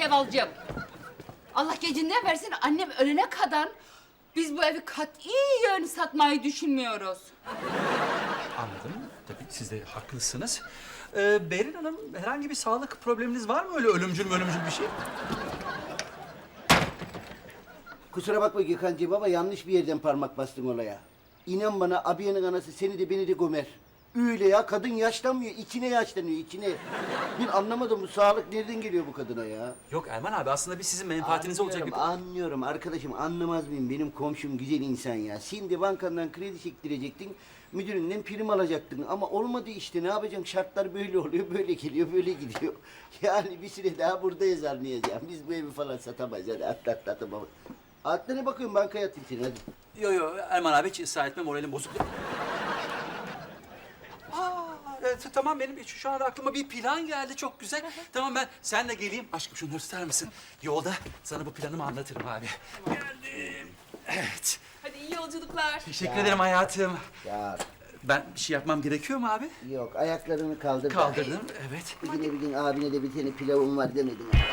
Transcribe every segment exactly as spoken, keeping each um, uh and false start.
Sevalcığım. Allah gecinden versin, annem ölene kadar biz bu evi katiyen satmayı düşünmüyoruz. Anladım. Tabii siz de haklısınız. Ee, Berin Hanım, herhangi bir sağlık probleminiz var mı? Öyle ölümcül ölümcül bir şey? Kusura bakma Gökhan'cığım ama yanlış bir yerden parmak bastın olaya. İnan bana abiyenin anası seni de beni de gömer. Öyle ya, kadın yaşlanmıyor, içine yaşlanıyor, içine. Ben anlamadım, bu sağlık nereden geliyor bu kadına ya? Yok Erman abi, aslında biz sizin menfaatiniz olacak bir... Anlıyorum, anlıyorum arkadaşım, anlamaz mıyım? Benim komşum güzel insan ya. Şimdi bankandan kredi çektirecektin, müdüründen prim alacaktın. Ama olmadı işte, ne yapacaksın? Şartlar böyle oluyor, böyle geliyor, böyle gidiyor. Yani bir süre daha buradayız anlayacağım. Biz bu evi falan satamayız, hadi atla atla atla. Atla, ne bakıyorsun, bankaya atayım seni, hadi. Yo yo Erman abi, hiç ısrar etme, moralim bozuk. Aa, evet, tamam, benim şu, şu anda aklıma bir plan geldi, çok güzel. Tamam, ben senle geleyim. Aşkım şunları tutar mısın? Yolda sana bu planımı anlatırım abi. Geldim. Evet. Hadi iyi yolculuklar. Teşekkür ederim hayatım. Ya Ben bir şey yapmam gerekiyor mu abi? yok, ayaklarını kaldır. da. Kaldırdım, evet. Bir gün bir gün abine de bir tane pilavım var demedin ha.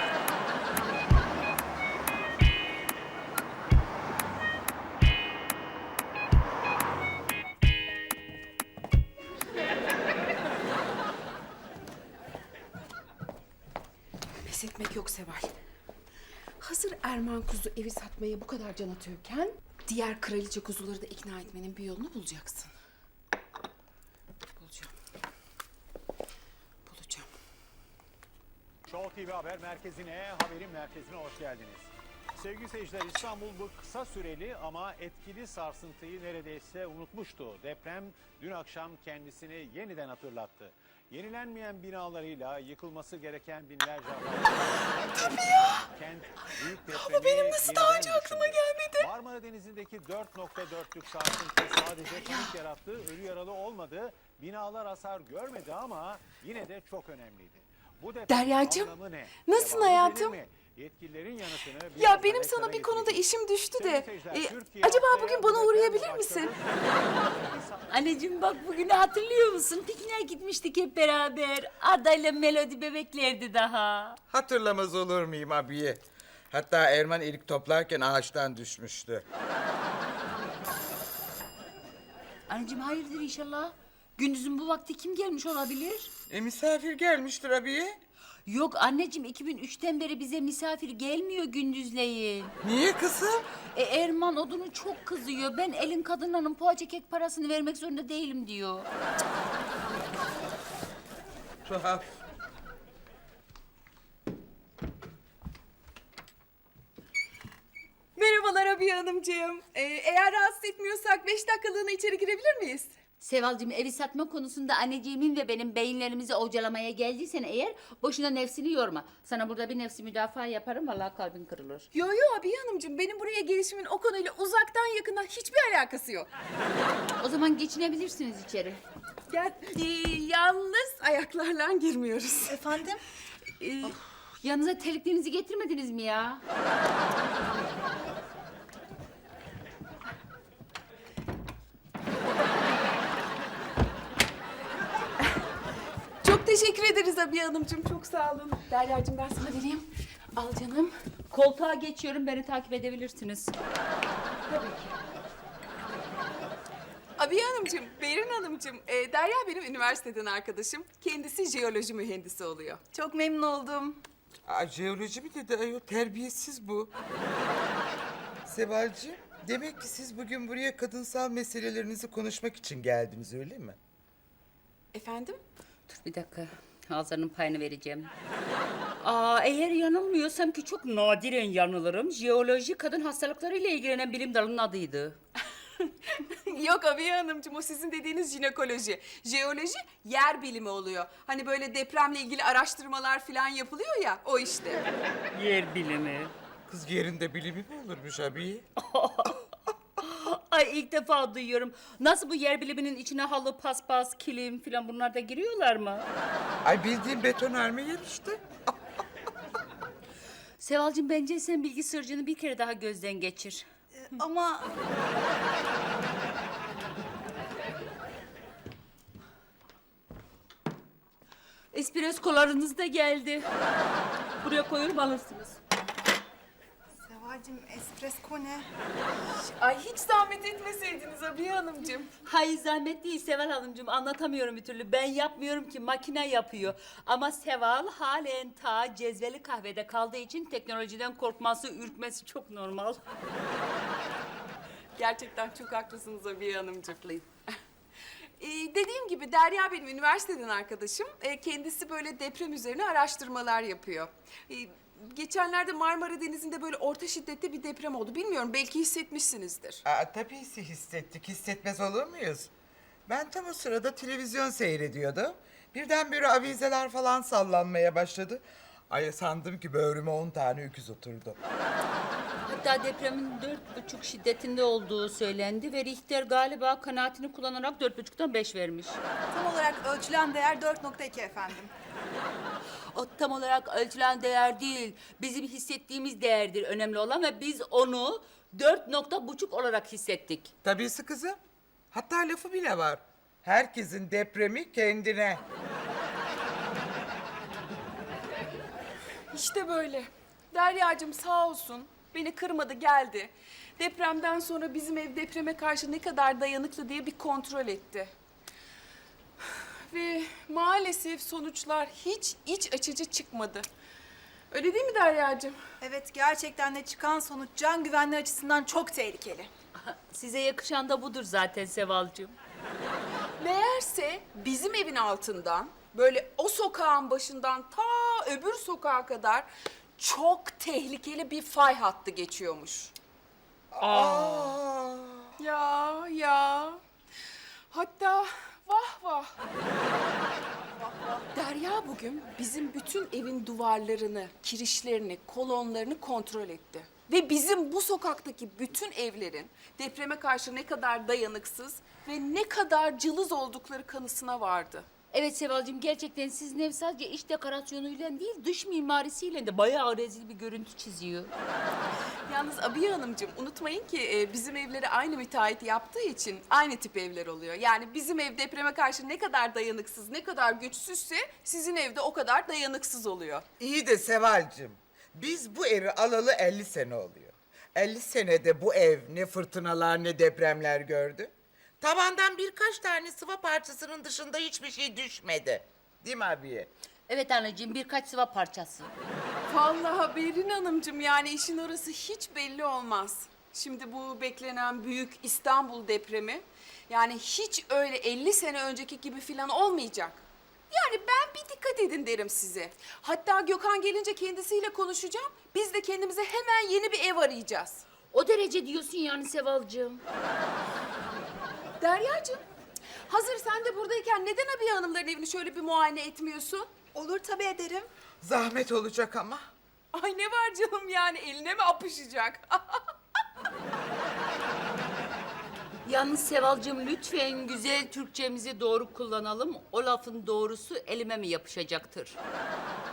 Pes etmek yok Seval. Hazır Erman kuzu evi satmaya bu kadar can atıyorken... ...diğer kraliçe kuzuları da ikna etmenin bir yolunu bulacaksın. Bulacağım. Bulacağım. Show T V Haber Merkezi'ne, haberin merkezine hoş geldiniz. Sevgili seyirciler, İstanbul bu kısa süreli ama etkili sarsıntıyı neredeyse unutmuştu. Deprem dün akşam kendisini yeniden hatırlattı. Yenilenmeyen binalarıyla yıkılması gereken binlerce Tabii ya. Kent büyük depremi Ama benim nasıl daha önce yeniden aklıma düşündü. gelmedi? Marmara Denizi'ndeki dört nokta dörtlük sarsıntı sadece panik yarattı, ölü yaralı olmadı. Binalar hasar görmedi ama yine de çok önemliydi. Bu deprem Deryacığım, anlamı ne? nasılsın Devamı hayatım? gelir mi? Yetkililerin yanıtını Ya birazdan benim ekrana sana bir konuda getireceğiz. işim düştü de... Sevgili seyirciler, e, Türkiye acaba haftaya bugün bu bana depremle uğrayabilir başladı. misin? Anneciğim bak, bugünü hatırlıyor musun? Pikniğe gitmiştik hep beraber. Arda'yla Melodi bebeklerdi daha. Hatırlamaz olur muyum abiye? Hatta Erman erik toplarken ağaçtan düşmüştü. Anneciğim hayırdır inşallah? Gündüzün bu vakti kim gelmiş olabilir? E misafir gelmiştir abiye. Yok anneciğim, iki bin üçten beri bize misafir gelmiyor gündüzleyin. Niye kızım? E Erman odunu çok kızıyor. Ben elin kadınlarının poğaça kek parasını vermek zorunda değilim diyor. Tuhaf. Merhabalar Abiye Hanımcığım. Ee, eğer rahatsız etmiyorsak beş dakikalığına içeri girebilir miyiz? Sevalcığım, evi satma konusunda anneciğimin ve benim beyinlerimizi ovcalamaya geldiysen eğer boşuna nefsini yorma. Sana burada bir nefsi müdafaa yaparım, vallahi kalbin kırılır. Yo yo Abiye Hanımcığım, benim buraya gelişimin o konuyla uzaktan yakından hiçbir alakası yok. O zaman geçinebilirsiniz içeri. Gel, ee, yalnız ayaklarla girmiyoruz. Efendim? Ee, yanınıza terliklerinizi getirmediniz mi ya? Çok teşekkür ederiz Abiye Hanımcığım, çok sağ olun. Derya'cığım ben sana vereyim. Al canım. Koltuğa geçiyorum, beni takip edebilirsiniz. Abiye Hanımcığım, Berin Hanımcığım, e, Derya benim üniversiteden arkadaşım. Kendisi jeoloji mühendisi oluyor. Çok memnun oldum. Aa, jeoloji mi dedi ayol? Terbiyesiz bu. Sevalcığım, demek ki siz bugün buraya kadınsal meselelerinizi konuşmak için geldiniz, öyle mi? Efendim? Dur bir dakika, Hazar'ın payını vereceğim. Aa, eğer yanılmıyorsam, ki çok nadiren yanılırım, jeoloji kadın hastalıklarıyla ilgilenen bilim dalının adıydı. Yok Abiye Hanımcığım, o sizin dediğiniz jinekoloji. Jeoloji yer bilimi oluyor. Hani böyle depremle ilgili araştırmalar falan yapılıyor ya, o işte. Yer bilimi. Kız yerinde bilimi mi olurmuş abiye? Ay ilk defa duyuyorum. Nasıl, bu yer biliminin içine halı, paspas, kilim falan bunlar da giriyorlar mı? Ay bildiğin betonarme yer işte. Sevalcığım, bence sen bilgi sırrını bir kere daha gözden geçir. Ama Espressolarınız da geldi. Buraya koyuyorum alırsınız. Sevalcim espresso ne? Ay hiç zahmet etmeseydiniz Abiye Hanımcığım. Hayır zahmet değil Seval Hanımcığım, anlatamıyorum bir türlü. Ben yapmıyorum ki, makine yapıyor. Ama Seval halen ta cezveli kahvede kaldığı için teknolojiden korkması, ürkmesi çok normal. Gerçekten çok haklısınız Abiye Hanımcığım. Ee, dediğim gibi Derya benim üniversiteden arkadaşım. Ee, kendisi böyle deprem üzerine araştırmalar yapıyor. Ee, geçenlerde Marmara Denizi'nde böyle orta şiddette bir deprem oldu. Bilmiyorum, belki hissetmişsinizdir. Aa, tabii ki hissettik. Hissetmez olur muyuz? Ben tam o sırada televizyon seyrediyordum. Birdenbire avizeler falan sallanmaya başladı. Ay sandım ki böğrüme on tane öküz oturdu. Hatta depremin dört buçuk şiddetinde olduğu söylendi ve Richter galiba kanaatini kullanarak dört buçuktan beş vermiş. Tam olarak ölçülen değer dört nokta iki efendim. O tam olarak ölçülen değer değil, bizim hissettiğimiz değerdir önemli olan ve biz onu dört nokta buçuk olarak hissettik. Tabiisi kızım. Hatta lafı bile var. Herkesin depremi kendine. İşte böyle. Deryacığım sağ olsun beni kırmadı, geldi. Depremden sonra bizim ev depreme karşı ne kadar dayanıklı diye bir kontrol etti. Ve maalesef sonuçlar hiç iç açıcı çıkmadı. Öyle değil mi Deryacığım? Evet, gerçekten de çıkan sonuç can güvenliği açısından çok tehlikeli. Size yakışan da budur zaten Sevalcığım. Meğerse bizim evin altından böyle o sokağın başından ta öbür sokağa kadar çok tehlikeli bir fay hattı geçiyormuş. Aa. Ya ya. Hatta vah vah. Derya bugün bizim bütün evin duvarlarını, kirişlerini, kolonlarını kontrol etti. Ve bizim bu sokaktaki bütün evlerin depreme karşı ne kadar dayanıksız ve ne kadar cılız oldukları kanısına vardı. Evet Sevalcığım, gerçekten sizin ev sadece iç dekorasyonuyla değil, dış mimarisiyle de bayağı rezil bir görüntü çiziyor. Yalnız Abiye Hanımcığım unutmayın ki e, bizim evleri aynı müteahhit yaptığı için aynı tip evler oluyor. Yani bizim ev depreme karşı ne kadar dayanıksız, ne kadar güçsüzse sizin evde o kadar dayanıksız oluyor. İyi de Sevalcığım, biz bu evi alalı elli sene oluyor. elli senede bu ev ne fırtınalar ne depremler gördü. Tavandan birkaç tane sıva parçasının dışında hiçbir şey düşmedi. Değil mi abiye? Evet anneciğim, birkaç sıva parçası. Vallahi Berin Hanımcığım, yani işin orası hiç belli olmaz. Şimdi bu beklenen büyük İstanbul depremi yani hiç öyle elli sene önceki gibi falan olmayacak. Yani ben bir dikkat edin derim size. Hatta Gökhan gelince kendisiyle konuşacağım. Biz de kendimize hemen yeni bir ev arayacağız. O derece diyorsun yani Sevalcığım. Deryacığım, hazır sen de buradayken neden Abiye Hanımların evini şöyle bir muayene etmiyorsun? Olur tabii ederim. Zahmet olacak ama. Ay ne var canım, yani eline mi apışacak? Yalnız Sevalcığım, lütfen güzel Türkçemizi doğru kullanalım. O lafın doğrusu elime mi yapışacaktır?